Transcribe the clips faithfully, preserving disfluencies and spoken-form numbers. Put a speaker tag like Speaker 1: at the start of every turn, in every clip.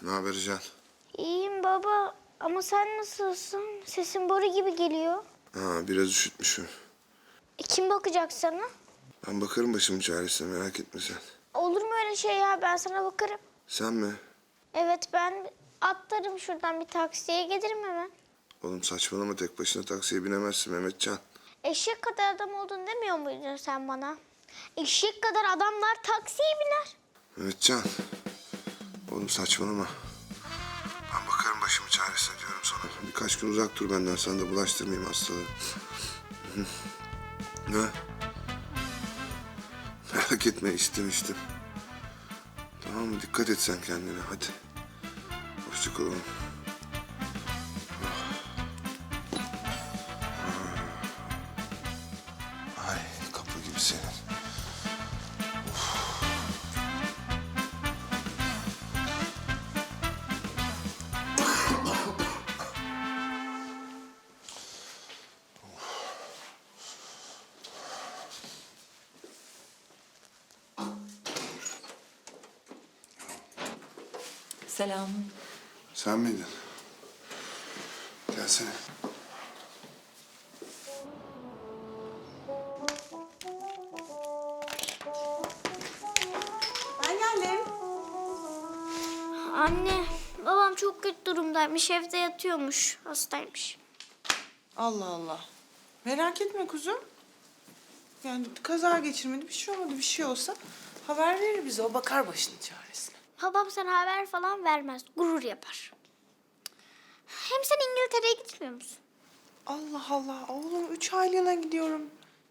Speaker 1: haber Can?
Speaker 2: İyiyim baba ama sen nasılsın? Sesin boru gibi geliyor.
Speaker 1: Ha, biraz üşütmüşüm.
Speaker 2: E, kim bakacak sana?
Speaker 1: Ben bakarım başımın çaresine, merak etme sen.
Speaker 2: Olur mu öyle şey ya? Ben sana bakarım.
Speaker 1: Sen mi?
Speaker 2: Evet, ben atlarım şuradan bir taksiye, gelirim hemen.
Speaker 1: Oğlum saçmalama, tek başına taksiye binemezsin Mehmetcan.
Speaker 2: Eşek kadar adam oldun demiyor muydun sen bana? Eşek kadar adamlar taksiye biner.
Speaker 1: Mehmetcan. Oğlum saçmalama. Ben bakarım başımın çaresine diyorum sana. Birkaç gün uzak dur benden, sana da bulaştırmayayım hastalığı. Ne? Merak etme, içtim içtim. Tamam mı? Dikkat et sen kendine, hadi. Hoşça kal oğlum. Ay, kapı gibi senin.
Speaker 3: Selam.
Speaker 1: Sen miydin? Gelsene.
Speaker 4: Ben geldim.
Speaker 2: Anne, babam çok kötü durumdaymış. Evde yatıyormuş. Hastaymış.
Speaker 4: Allah Allah. Merak etme kuzum. Yani kaza geçirmedi, bir şey olmadı. Bir şey olsa haber verir bize. O bakar başının çaresine.
Speaker 2: Babam sana haber falan vermez. Gurur yapar. Hem sen İngiltere'ye gitmiyor musun?
Speaker 4: Allah Allah. Oğlum üç aylığına gidiyorum.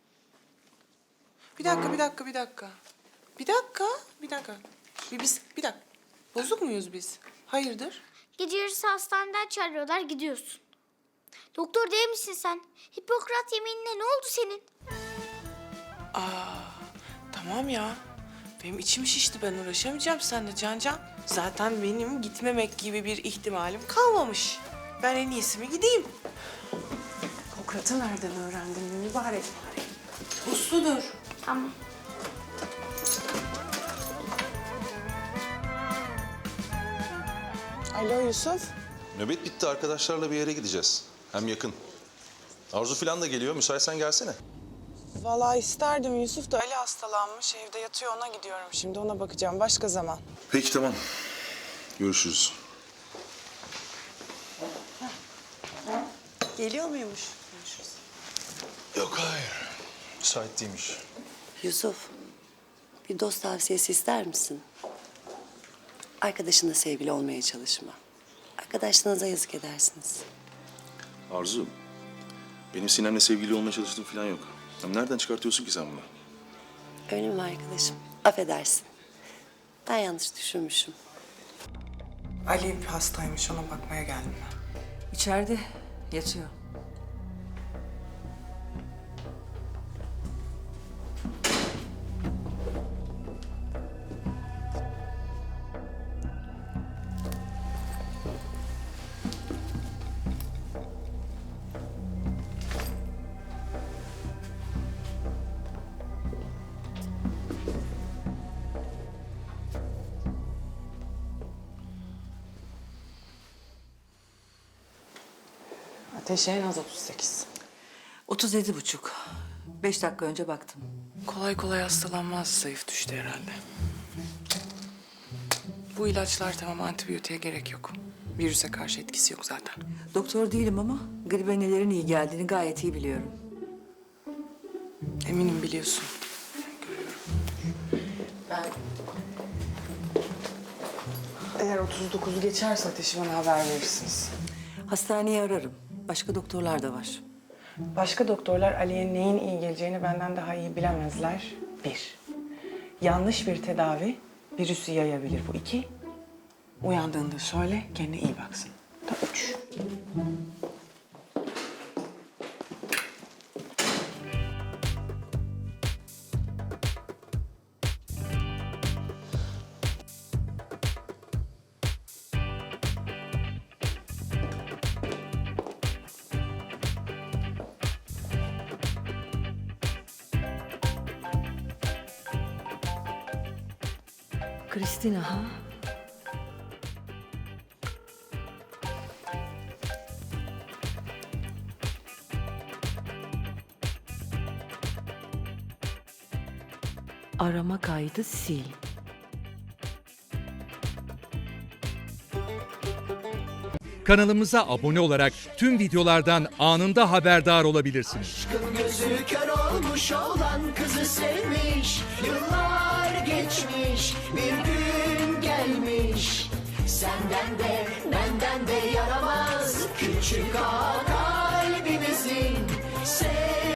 Speaker 4: Bir dakika, bir dakika, bir dakika. Bir dakika, bir dakika. Bir, biz, bir dakika. Bozuk muyuz biz? Hayırdır?
Speaker 2: Gece yarısı hastaneden çağırıyorlar, gidiyorsun. Doktor değil misin sen? Hipokrat yeminine ne oldu senin?
Speaker 4: Aa, tamam ya. Benim içim şişti. Ben uğraşamayacağım seninle Can Can. Zaten benim gitmemek gibi bir ihtimalim kalmamış. Ben en iyisi mi gideyim? Hipokrat'ı nereden öğrendin mübarek? Usludur.
Speaker 2: Tamam.
Speaker 4: Alo Yusuf.
Speaker 5: Nöbet bitti, arkadaşlarla bir yere gideceğiz. Hem yakın. Arzu falan da geliyor, müsaitsen gelsene.
Speaker 4: Vallahi isterdim. Yusuf da Ali hastalanmış. Evde yatıyor, ona gidiyorum. Şimdi ona bakacağım. Başka zaman.
Speaker 5: Peki tamam. Görüşürüz.
Speaker 4: Geliyor muymuş? Görüşürüz.
Speaker 5: Yok hayır. Müsait değilmiş.
Speaker 6: Yusuf, bir dost tavsiyesi ister misin? Arkadaşınla sevgili olmaya çalışma. Arkadaşlarınıza yazık edersiniz.
Speaker 5: Arzu, benim Sinem'le sevgili olmaya çalıştığım falan yok. Ya nereden çıkartıyorsun ki sen bunu?
Speaker 6: Öyle mi arkadaşım? Affedersin. Ben yanlış düşünmüşüm.
Speaker 4: Ali hastaymış. Ona bakmaya geldim ben.
Speaker 3: İçeride yatıyor.
Speaker 4: Ateşi en az otuz sekiz.
Speaker 3: Otuz yedi buçuk. Beş dakika önce baktım.
Speaker 4: Kolay kolay hastalanmaz. Zayıf düştü herhalde. Bu ilaçlar tamam, antibiyotiğe gerek yok. Virüse karşı etkisi yok zaten.
Speaker 3: Doktor değilim ama gribe nelerin iyi geldiğini gayet iyi biliyorum.
Speaker 4: Eminim biliyorsun. Görüyorum. Ben... Eğer otuz dokuzu geçerse ateşi bana haber verirsiniz.
Speaker 3: Hastaneyi ararım. Başka doktorlar da var.
Speaker 4: Başka doktorlar Ali'ye neyin iyi geleceğini benden daha iyi bilemezler. Bir, yanlış bir tedavi virüsü yayabilir. Bu iki, uyandığında söyle kendine iyi baksın. Da üç.
Speaker 3: Kristina ha? arama kaydı sil.
Speaker 7: Kanalımıza abone olarak tüm videolardan anında haberdar olabilirsiniz.
Speaker 8: Gözü kör olmuş olan kızı sevmiş. Yıllar geçmiş, bir gün gelmiş. Senden de benden de yaramaz küçük ağa kalbimizin.